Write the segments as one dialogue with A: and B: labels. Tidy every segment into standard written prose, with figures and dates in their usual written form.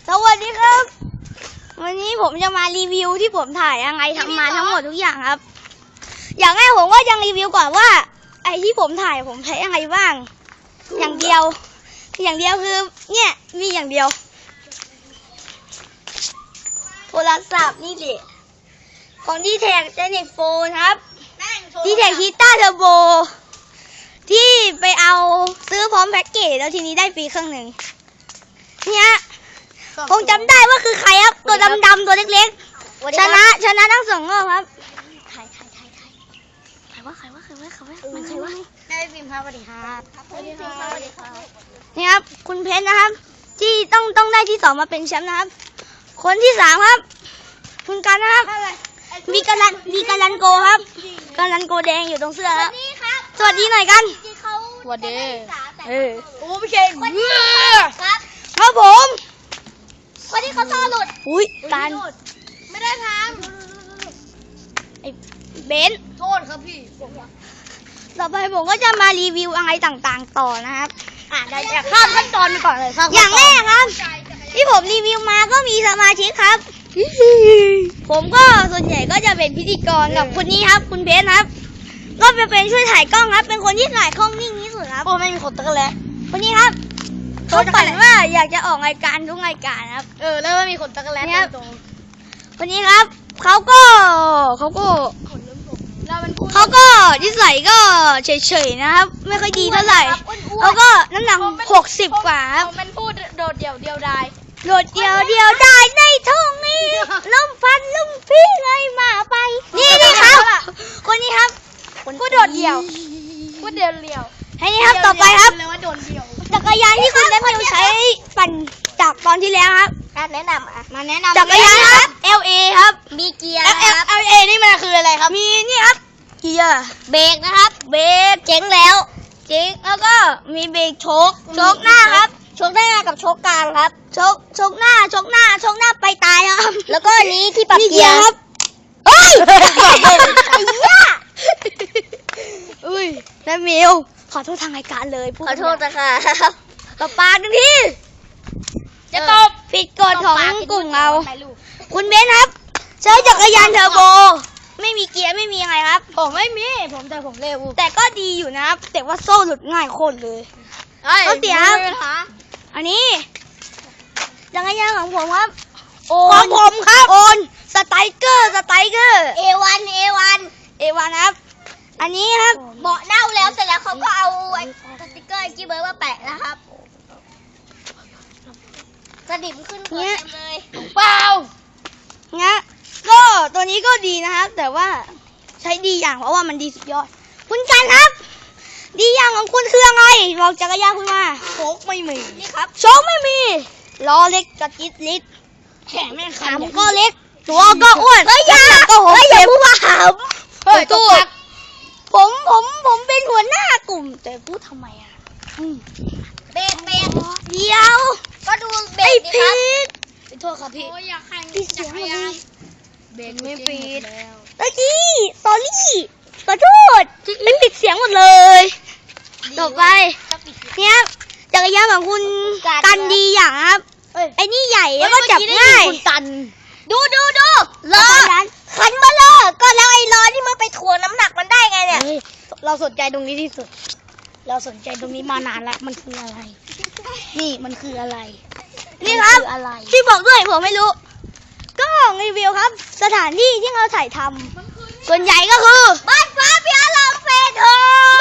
A: สวัสดีครับวันนี้ผมจะมารีวิวที่ผมถ่ายยังไงทำมาทั้งหมดทุกอย่างครับ อย่างแรกผมก็ยังรีวิวก่อนว่าไอ้ที่ผมถ่ายผมใช้ยังไงบ้างอย่างเดียวคือเนี่ยมีอย่างเดียวโทรศัพท์นี่แหละของดีแท็กเจเน็ตโฟนครับดีแท็กฮีต้าเทอร์โบที่ไปเอาซื้อพร้อมแพ็กเกจแล้วทีนี้ได้ฟรีเครื่องหนึ่งเนี่ยคงจำได้ว่าคือใครครับตัวดำๆตัวเล็กๆชนะทั้งสองรอบครับใครวะมันใครวะแม่พิมพ์ครับสวัสดีครับสวัสดีครับนี่ครับคุณเพชรนะครับที่ต้องได้ที่2มาเป็นแชมป์นะครับคนที่3ครับคุณกันนะครับมีกาลันโกครับกาลันโกแดงอยู่ตรงเสื้อครับสวัสดีหน่อยกัน
B: สวัสดี
A: โอ้พี่เชนครับผม
B: วันนี้เขาท่อหลุด
A: อุ้ยการ
B: ไม่ได้ทาง
A: ไอ้เบนซ์
B: โทษครับพี่
A: ต่อไปผมก็จะมารีวิวอะไรต่างๆต่อนะครับ
B: ได้ข้ามขั้นตอนไปก่อนเลย
A: อย่างแรกครับที่ผมรีวิวมาก็มีสมาชิกครับผมก็ส่วนใหญ่ก็จะเป็นพิธีกรกับคนนี้ครับคุณเพชรครับก็เป็นช่วยถ่ายกล้องครับเป็นคนที่ถ่ายกล้องนิ่งที่สุดครับ
B: โอ้ไม่มีขนตะแล้ว
A: คนนี้ครับเขาฝันว่าอยากจะออกรายการทุกรายการครับ
B: แล้วไม่มีขนตะแล้วตรง
A: คนนี้ครับเขาก็นิสัยก็เฉยๆนะครับไม่ค่อยดีเท่าไหร่เขาก็น้ำหนัก60 กว่าครับ
B: มันพูดโดดเดี่ยวดาย
A: ได้ในท้องนี้ล้มฟันลุ่มพี่เลยมาไปนี่ครับคนนี้ครับ
B: พูดโดดเดี่ยว
A: ให้นี่ครับต่อไปครับ
B: ว่าโดดเดี่ยว
A: จักรยานที่คุณได้มาใช้ปั่นจากตอนที่แล้วครับ
B: แนะนำมาแนะนำ
A: จักรยานครับ LA ครับ
B: มีเกียร์
A: ครับ LA นี่มันคืออะไรครับมีนี่ครับเกียร์
B: เบรกนะครับ
A: เบรกเจ๋งแล้วก็มีเบรกโชคหน้าครับ
B: โชคหน้ากับโชคกลางครับ
A: โชคหน้าไปตายครับ
B: แล้วก็นี้ที่ปรับเกียร์
A: ครับเฮ้ยไอ้ย่าแล้วมิวขอโทษทางรายการเลย
B: ขอโทษนะคะ
A: ต่อปากหนึ่งทีจะตบผิดกฎของกลุ่มเราคุณเบนครับใช้จักรยานเทอร์โบไม่มีเกียร์ไม่มีอะไรครับ
B: ผมไม่มีแต่ผมเร็ว
A: แต่ก็ดีอยู่นะครับแต่ว่าโซ่หลุดง่ายโคตรเลยก็เสียอันนี้จักรยานของผมครับของผมครับโอนสไตรเกอร์
B: A1
A: ครับอันนี้ครับ
B: เบาะเน่าแล้วเสร็จแล้วเขาก็เอาสติ๊กเกอร์กิ๊บเบอร์มาแปะนะครับสนิมขึ้นหัวเต็มเลย
A: เปล่าเนี่ยก็ตัวนี้ก็ดีนะครับแต่ว่าใช้ดีอย่างเพราะว่ามันดีสุดยอดคุณกันครับดีอย่างของคุณคืออะไรบอกจักรยานคุณมา
B: โชคไม่มี
A: นี่ครับโชคไม่มีล้อเล็กกระจิตลิด
B: แข็งไม่ขา
A: มก็เล็กตัวก็อ้วน
B: อย่าพูดว่าหาม
A: ตู้ผมเป็นหัวหน้ากลุ่มแต่พูดทำไมอ่ะ
B: เบรก
A: เดียว
B: ก็ดูเบรกดิครับ
A: โทษครับพี่
B: พี่เสียง
A: เบรกไม่ปิดตะกี้สอรี่ขอโทษไม่ปิดเสียงหมดเลย ต่อไปเนี่ยจักรยานของคุณกันดีอย่างครับไอ้นี่ใหญ่แล้วก็จับง่าย
B: คุณกันดูล้อ
A: ขันมาเลย
B: ก็แล้วไอ้ล้อที่มันไปถ่วงน้ำหนักมันได้ไงเนี่ย
A: เราสนใจตรงนี้ที่สุดเราสนใจตรงนี้มานานแล้วมันคืออะไรนี่มันคืออะไรนี่ครับที่บอกด้วยผมไม่รู้ก็รีวิวครับสถานที่ที่เราถ่ายทำส่วนใหญ่ก็คือ
B: บ้านฟ้าปิยะลมเฟส6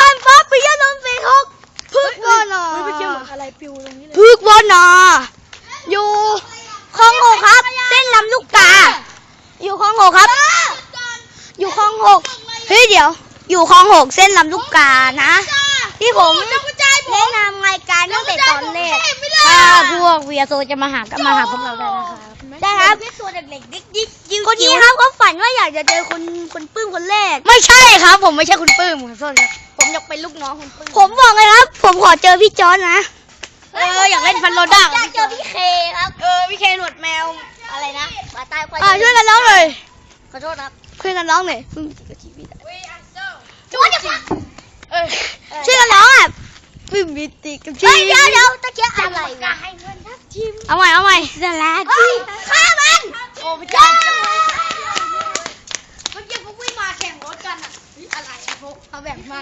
A: พึกวอนอ
B: อะไรปิวตรงนี้เลย
A: พึกวอนออยู่คลอง6ครับเส้นลำลูกกาอยู่คลอง6ครับอยู่คลอง6เฮ้ยเดี๋ยวอยู่คลอง6เส้นลำลูกกานะที่ผมแนะนำรายการตั้งแต่ตอนแรก
B: ถ้าพวกเวียโซจะมาหาพวกเราได้นะคะ
A: ได้ครับ
B: ตัวเด็กๆ
A: คนนี้ครับเขาฝันว่าอยากจะเจอคุณปื้มคนแรก
B: ไม่ใช่ครับผมไม่ใช่คุณปื้มขอโทษครับผมอยากเป็นลูกน้องคุณปื้ม
A: ผมบอกเลยครับผมขอเจอพี่จอนนะ
B: อยากเล่นฟันโรด้า
A: อยากเจอพี่เคครับ
B: พี่เคหนวดแมวอะไรนะหมาตาย
A: ช่วยกันร้องเลย
B: ขอโทษครับ
A: ช่วยกันร้องหน่อย
B: ช่วย
A: กันร้องอ่ะปื้มมิติกับชี
B: เดี๋ยวตะเกียบอะไร
A: เอาใหม่เอาใหม่สลาทีมฆ่ามันโอ้พระเจ้าเมื่อกี้พวกวิ่งมาแข่งรถกันอ่ะอะไรอะพวกเขาแบบมาก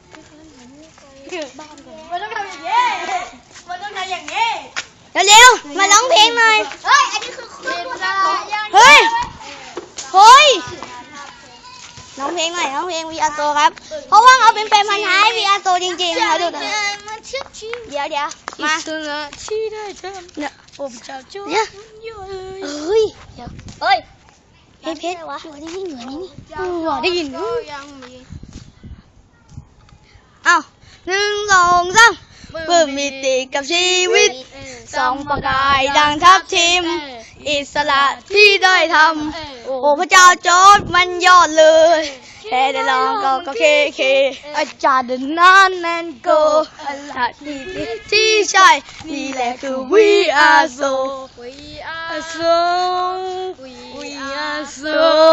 A: มันต้องทำอย่างนี้มันต้องทำอย่างนี้เร็วๆมาร้องเพลงหน่อย
B: เฮ้ย อันนี้คือคุณผู้ชม
A: เฮ้ยเฮ้ยร้องเพลงหน่อยร้องเพลงวีอาร์โซครับเพราะว่าเขาเป็นแฟนพันธุ์แท้วีอาร์โซจริงๆเขาดูตรงนี้เดี๋ยวมา
C: ที่ได้ทำ
A: เนี่ย
C: ผมจะช่วย
A: เดี๋ยว
C: เยอะเลย
A: เฮ้ยเดี๋ยว
B: เฮ้ย
A: เพชรหัวได้ยินหัวนี่หัวได้ยิน
C: ก็ยังมี
A: เอ้า1 2 3เพิ่มมิติกับชีวิตส่องประกายดังทับทิมอิสระที่ได้ทำโอ้พระเจ้าจอร์จมันยอดเลยแค่ได้ลองก็เคอาจารย์เดินนานแมนโกอะไรที่ใช่นี่แหละคือ we are so
C: We are
A: so
C: We
A: we
C: are
A: are so